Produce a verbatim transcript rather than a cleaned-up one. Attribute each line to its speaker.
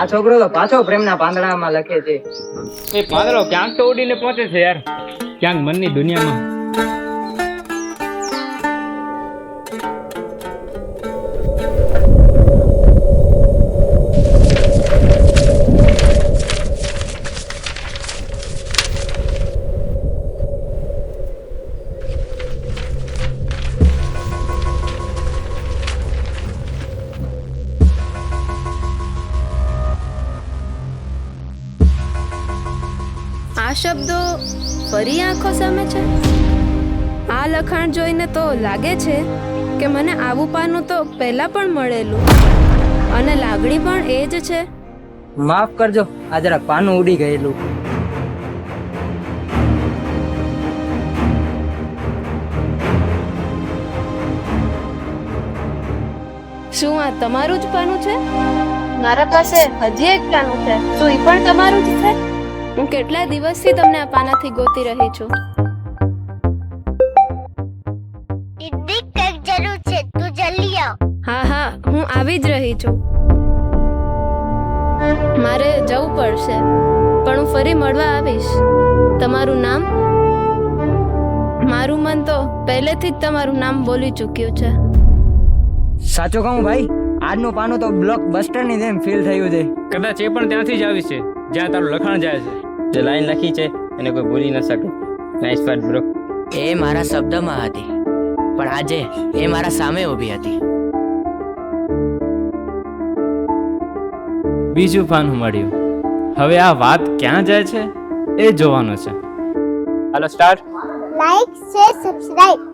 Speaker 1: આ છોકરો તો પાછો પ્રેમના પાંદડામાં લખે છે.
Speaker 2: એ પાંદડો ક્યાંક તો ઉડીને પહોંચે છે યાર, ક્યાંક મનની દુનિયામાં.
Speaker 3: આ શબ્દો ફરી આંખો સામે છે. આ લખાણ જોઈને તો લાગે છે કે મને આવું પાનું તો પહેલા પણ મળેલું, અને લાગણી પણ એ જ છે.
Speaker 1: માફ કરજો, આ જરાક પાનું ઉડી ગયેલું.
Speaker 3: શું આ તમારું જ પાનું છે? મારા પાસે હજી એક પાનું છે. શું એ પણ તમારું જ છે? હું કેટલા દિવસથી તમને આ પાનાથી ગોતી રહી છું.
Speaker 4: દીદી કંઈક જરૂર છે, તું જલ્દી આવ.
Speaker 3: હા હા, હું આવી જ રહી છું. મારે જવું પડશે, પણ હું ફરી મળવા આવીશ. તમારું નામ? મારું મન તો પહેલેથી જ તમારું નામ બોલી ચૂક્યું છે.
Speaker 1: સાચું કહું ભાઈ, આજનું પાનું તો બ્લોક બસ્ટર ની જેમ ફીલ થયું છે.
Speaker 2: કદાચ એ પણ ત્યાંથી જ આવી છે જ્યાં તારું લખાણ જાય છે.
Speaker 5: જે લાઈન લખી છે એને કોઈ ભૂલી ન શકે. Nice work bro.
Speaker 6: એ મારા શબ્દમાં હતી, પણ આજે એ મારા સામે ઊભી હતી.
Speaker 7: બીજું પાનું મળ્યું. હવે આ વાત ક્યાં જાય છે એ જોવાનું છે.
Speaker 5: હાલો સ્ટાર્ટ.
Speaker 4: Like share subscribe.